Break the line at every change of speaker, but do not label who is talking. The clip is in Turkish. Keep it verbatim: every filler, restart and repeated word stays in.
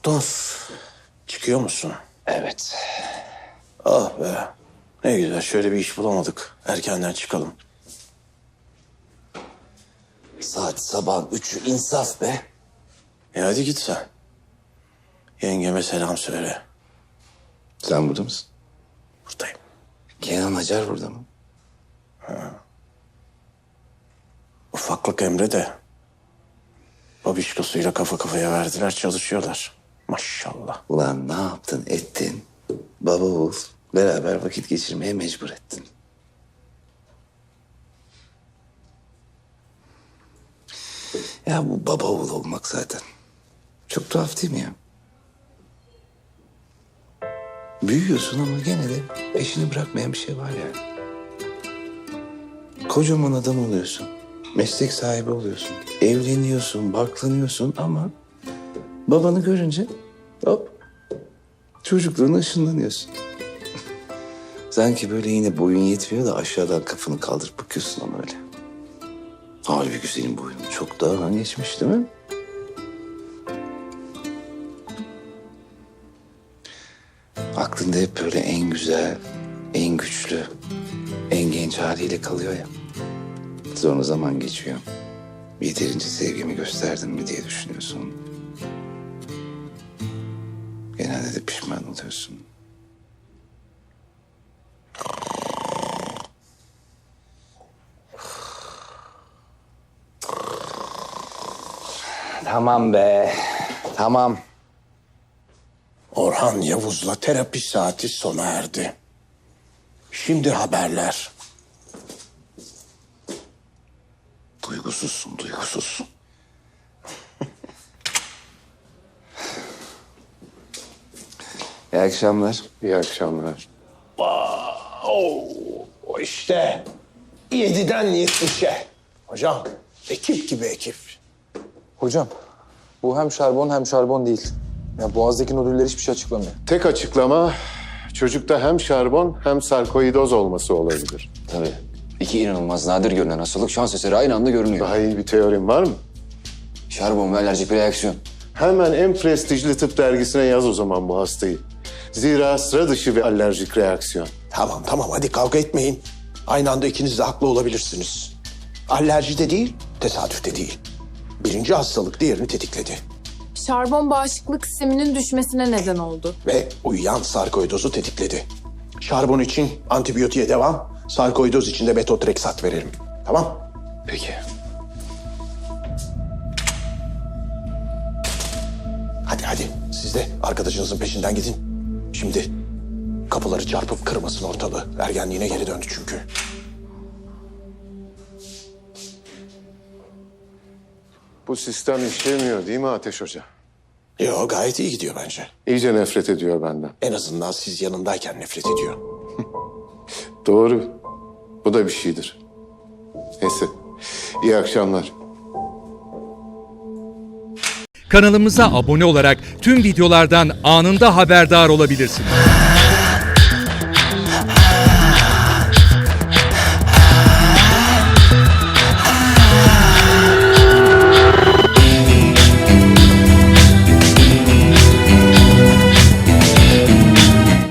Doktor, çıkıyor musun?
Evet.
Ah be, ne güzel, şöyle bir iş bulamadık. Erkenden çıkalım.
Saat sabah üçü, insaf be.
E hadi git sen. Yengeme selam söyle.
Sen burada mısın?
Buradayım.
Kenan Hacer burada mı?
Ufaklık Emre de babişkosuyla kafa kafaya verdiler, çalışıyorlar. Maşallah.
Ulan ne yaptın ettin? Baba oğul beraber vakit geçirmeye mecbur ettin. Ya bu baba oğul olmak zaten. Çok tuhaf değil mi ya? Büyüyorsun ama gene de peşini bırakmayan bir şey var yani. Kocaman adam oluyorsun. Meslek sahibi oluyorsun. Evleniyorsun, barklanıyorsun ama babanı görünce hop çocukluğuna ışınlanıyorsun. Sanki böyle yine boyun yetmiyor da aşağıdan kafanı kaldırıp bakıyorsun ama öyle. Halbuki senin boyun çok daha geçmiş değil mi? Aklında hep böyle en güzel, en güçlü, en genç haliyle kalıyor ya. Sonra zaman geçiyor. Yeterince sevgimi gösterdim mi diye düşünüyorsun. Genelde de pişman oluyorsun. Tamam be, tamam.
Orhan Yavuz'la terapi saati sona erdi. Şimdi haberler.
Duygusuzsun, duygusuz. İyi akşamlar.
İyi akşamlar.
Oo, o işte yediden yetmişe. Hocam, ekip gibi ekip.
Hocam, bu hem şarbon hem şarbon değil. Ya boğazdaki nodüller hiçbir şey açıklamıyor.
Tek açıklama çocukta hem şarbon hem sarkoidoz olması olabilir.
Tabii. İki inanılmaz nadir görülen hastalık şans eseri aynı anda görünüyor.
Daha iyi bir teorim var mı?
Şarbon ve alerjik bir reaksiyon.
Hemen en prestijli tıp dergisine yaz o zaman bu hastayı. Zira sıra dışı bir alerjik reaksiyon.
Tamam tamam, hadi kavga etmeyin. Aynı anda ikiniz de haklı olabilirsiniz. Alerji de değil, tesadüf de değil. Birinci hastalık diğerini tetikledi.
Şarbon bağışıklık sisteminin düşmesine neden oldu.
Ve uyuyan sarkoidozu tetikledi. Şarbon için antibiyotiğe devam, sarkoidoz için de metotreksat verelim. Tamam?
Peki.
Hadi hadi, siz de arkadaşınızın peşinden gidin. Şimdi kapıları çarpıp kırmasın ortalığı. Ergenliğine geri döndü çünkü.
Bu sistem işlemiyor değil mi Ateş Hoca?
Yo, gayet iyi gidiyor bence.
İyice nefret ediyor benden.
En azından siz yanındayken nefret ediyor.
Doğru. Bu da bir şeydir. Neyse. İyi akşamlar.
Kanalımıza abone olarak tüm videolardan anında haberdar olabilirsiniz.